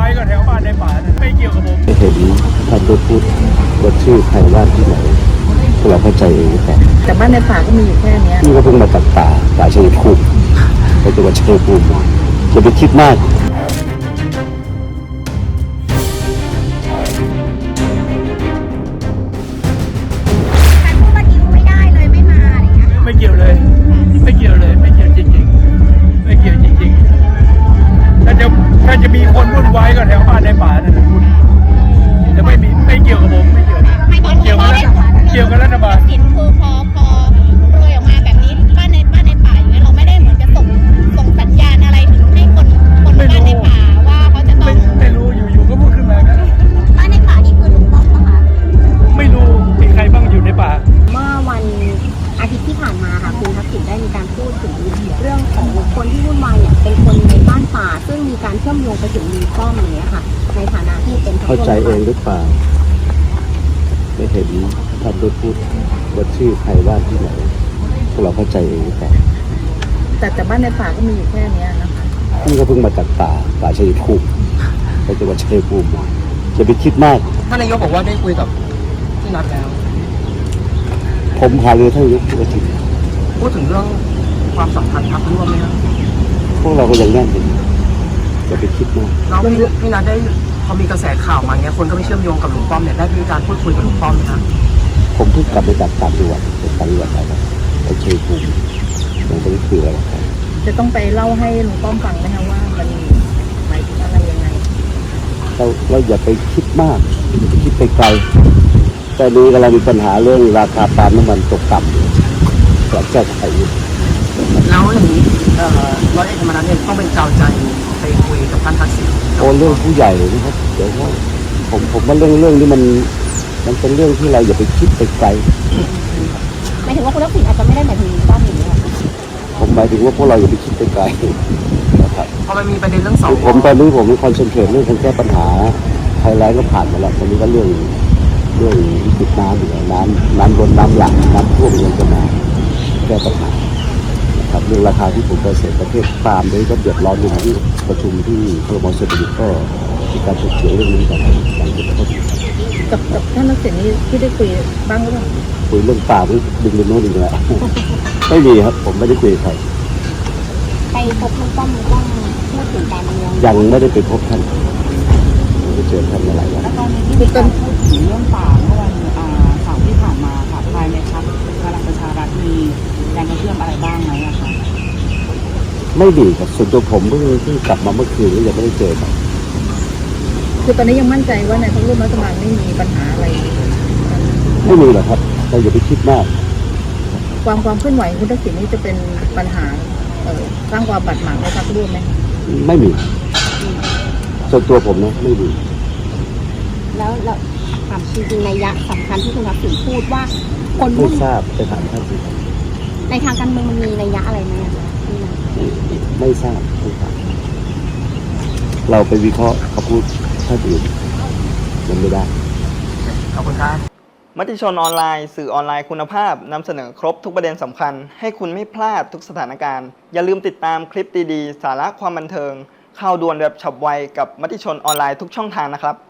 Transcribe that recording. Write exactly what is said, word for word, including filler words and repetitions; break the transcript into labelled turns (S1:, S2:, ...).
S1: ก็แถวบ้านในป่าไม่เกี่ยวกับผม
S2: เห็นท่านได้พูดว่าชื่อใครว่าที่ไหนเราเข้าใจเองแต่
S3: แต่บ้านในป่าก็มีอยู่แค่นี้
S2: นี่ก็เพิ่งมาจากป่าป่าชัยภูมิไปจังหวัดชัยภูมิอย่าไปคิดมาก
S1: ไม่เกี่ยวเลยไม่เกี่ยวเลยไม่เกี่ยวจริงๆไม่เกี่ยวจริงๆถ้าจะถ้าจะมีคนวุ่นวายก็แถวบ้านในป่านั่นแหละคุณจะไม่มีไม่เกี่ยวกับผมไม่เกี่ยวเกี่ยวกับเกี่ยวกับรัฐบาล
S4: สินคือพอพอโปรยออกมาแบบนี้บ้านในบ้านในป่าอย่างเงี้ยเราไม่ได้เหมือนจะส่งส่งสัญญาณอะไรถึงให้คนคนบ้านในป่าว่าเขาจะต้อง
S1: ไม่รู้อยู่ๆก็พูดขึ้นมาครับ
S4: บ้านในป่านี่คือลุงป้อมปะคะ
S1: ไม่รู้มีใครบ้างอยู่ในป่า
S4: เมื่อวันอาทิตย์ที่ผ่านมาค่ะคุณทักษิณได้มีการพูดถึงเรื่องของคนที่วุ่นวายเนี่ยเป็นคนในบ้านป่าซึ่งมีการเชื่อมโยงไปถึงลุงป้อมอย่างเงี้ยค่ะในฐานะที่เป็น
S2: เข้าใจเองหรือเปล่าไม่เห็นท่านได้พูดว่าชื่อใครว่าที่ไหนพวกเราเข้าใจเองหรือเปล่า
S3: แต่แต่บ้านในป่าก็มีอยู่แค่นี้นะคะ
S2: นี่ก็เพิ่งมาจากป่าป่าชัยภูมิไปจังหวัดชัยภูมิอย่าไปคิดมาก
S5: ท่านนายกบอกว่าได้คุยกับที่นัดแล้ว
S2: ผมหาเรือท่านนายกทุกอาทิตย์
S5: พูดถึงเรื่องความสัมพันธ์พรรคร่วมไหมครับ
S2: พวกเราก็ยังแน่นอยู่อย่าไปคิดมาก
S5: เราพี่นัดได้พอมีกระแสข่าวมาเงี้ยคนก็ไม่เชื่อมโยงกับลุงป้อมเนี่ยได้มีการพูดคุยกับลุงป้อมไหมครับ
S2: ผมเพิ่งกลับไปจากต่างจังหวัดไปต่างจังหวัดไปแล้วไปชัยภูมิยังไม่ได้คุยอะไรกัน
S3: จะต้องไปเล่าให้ลุงป้อมฟังไหมคะว่ามันหมายถึงอะไรยังไง
S2: เราเราอย่าไปคิดมากอย่าไปคิดไปไกลแต่นี้กำลังมีปัญหาเรื่องราคาปาล์มน้ำมันตกต่ำอยากแก้ไข
S5: แล้วอย่างนี้ร้อยเอกธรรมนัสเนี่ยต้องเป็นเจ้าใจไปคุยกับท่านทักษิณ
S2: โอ้เรื่องผู้ใหญ่นะครับเดี๋ยวว่าผมผมว่าเรื่องเรื่องนี้มันมันเป็นเรื่องที่เราอย่าไปคิดไปไกล
S4: หมายถึงว่าคุณทักษิณอาจจะไม่ได้หมายถึงป้อมอย่างนี้
S2: ผมหมายถึงว่าพวกเราอย่าไปคิดไปไกลนะครับ
S5: พอมันมีประเด็นเรื่องสอง
S2: ผมตอนนี้ผมมีคอนเซนเทรตเรื่องการแก้ปัญหาไทยแลนด์ก็ผ่านมาแล้วตอนนี้ก็เรื่องเรื่องวิกฤตน้ำอยู่น้ำน้ำล้นน้ำหลากน้ำท่วมยังจะมาแก้ปัญหาครับเรื่องราคาที่ผมเกษตรประเทศปาล์มด้วยก็เดือดร้อนอยู่ที่ประชุมที่ครม.เศรษฐกิจก็มีการถกเถียงเรื่องนี้กันหลังจากที่
S3: กับกับท่านทักษิณนี่ที่ได้คุยบ้างหรือเปล่า
S2: คุยเรื่องปาล์มดึงไปโน่นดึงไปแล้วไม่มีครับผมไม่ได้คุยใคร
S4: ไปพบลุงป้อมลุงป้อมพูดถึงการเมือง
S2: ยังไม่ได้ไปพบท่านไม่ได้เจอท่านมาหลายวัน
S6: แล้วตอนนี้ที่มีการพูดถึงเรื่องป่าเมื่อวันเสาร์ที่ผ่านมาค่ะภายในพรรคพลังประชารัฐมีแรงกระเพื่อมอะไรบ้างไหมอะคะ
S2: ไม่ดีครับส่วนตัวผมเพิ่งเพิ่งกลับมาเมื่อคืนแล้วยังไม่ได้เจอครับ
S3: คือตอนนี้ยังมั่นใจว่าในพรรคร่วมรัฐบาลไม่มีปัญหาอะไร
S2: ไม่มีหรอกครับเราอย่าไปคิดมาก
S3: ความความเคลื่อนไหวคุณทักษิณนี่จะเป็นปัญหาสร้างความบาดหมางในพรรคร่วมไหม
S2: ไม่มีส่วนตัวผมนะไม่มี
S4: แล้วเราถามจริงๆในยะสำคัญที่คุณทักษิณพูดว่าคน
S2: ไม่ทราบไปถามท่านสิ
S4: ในทางการเมืองมันมีนัยยะอะไรไหม
S2: ไม่ทราบไม่ทราบเราไปวิเคราะห์เขาพูดท่านอื่นมันไม่ได้
S5: ขอบคุณครับ
S7: มติชนออนไลน์สื่อออนไลน์คุณภาพนำเสนอครบทุกประเด็นสำคัญให้คุณไม่พลาดทุกสถานการณ์อย่าลืมติดตามคลิปดีๆสาระความบันเทิงข่าวด่วนแบบฉับไวกับมติชนออนไลน์ทุกช่องทางนะครับ